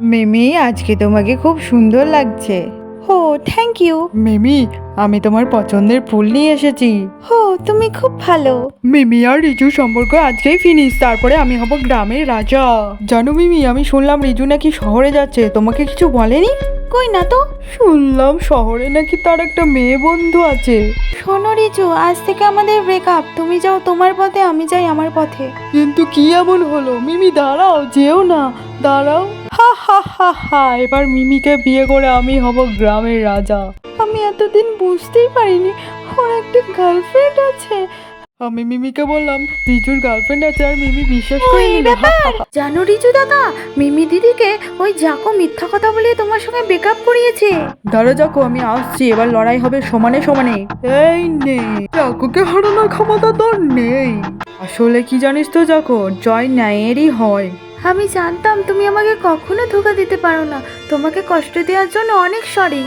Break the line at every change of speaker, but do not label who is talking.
মিমি, আজকে তোমাকে খুব সুন্দর লাগছে।
হো, থ্যাংক ইউ।
মিমি, আমি তোমার পছন্দের ফুল নিয়ে এসেছি।
হো, তুমি খুব ভালো।
মিমি আর রিজু সম্পর্ক আজকেই ফিনিশ, তারপরে আমি হব গ্রামের রাজা। জানো মিমি, আমি শুনলাম রিজু নাকি শহরে যাচ্ছে, তোমাকে কিছু বলেনি?
কই না তো।
শুনলাম শহরে নাকি তার একটা মেয়ে বন্ধু আছে।
শোনো রিজু, আজ থেকে আমাদের ব্রেকআপ। তুমি যাও তোমার পথে, আমি যাই আমার পথে।
কিন্তু কি এমন হলো? মিমি দাঁড়াও, যেও না, দাঁড়াও। হা হা হা হা, এবার মিমিকে বিয়ে করে আমি হব গ্রামের রাজা। আমি এতদিন বুঝতেই পারিনি ওর একটা গার্লফ্রেন্ড আছে। আমি মিমিকে বললাম রিজুর গার্লফ্রেন্ড আছে, আর মিমি বিশ্বাস করে
এই
নিল।
ব্যাপার। জানো রিজু দাদা, মিমি দিদিকে ওই জাকো মিথ্যা কথা বলে তোমার সঙ্গে ব্রেকআপ করিয়েছে।
দাঁড়া যাকো, আমি আসছি, এবার লড়াই হবে সমানে সমানে। এই নে, জাকোকে হারানোর ক্ষমতা তোর নেই। আসলে কি জানিস তো জাকো, জয় ন্যায়েরই হয়।
আমি জানতাম তুমি আমাকে কখনো ধোকা দিতে পারো না। তোমাকে কষ্ট দেওয়ার জন্য অনেক সরি।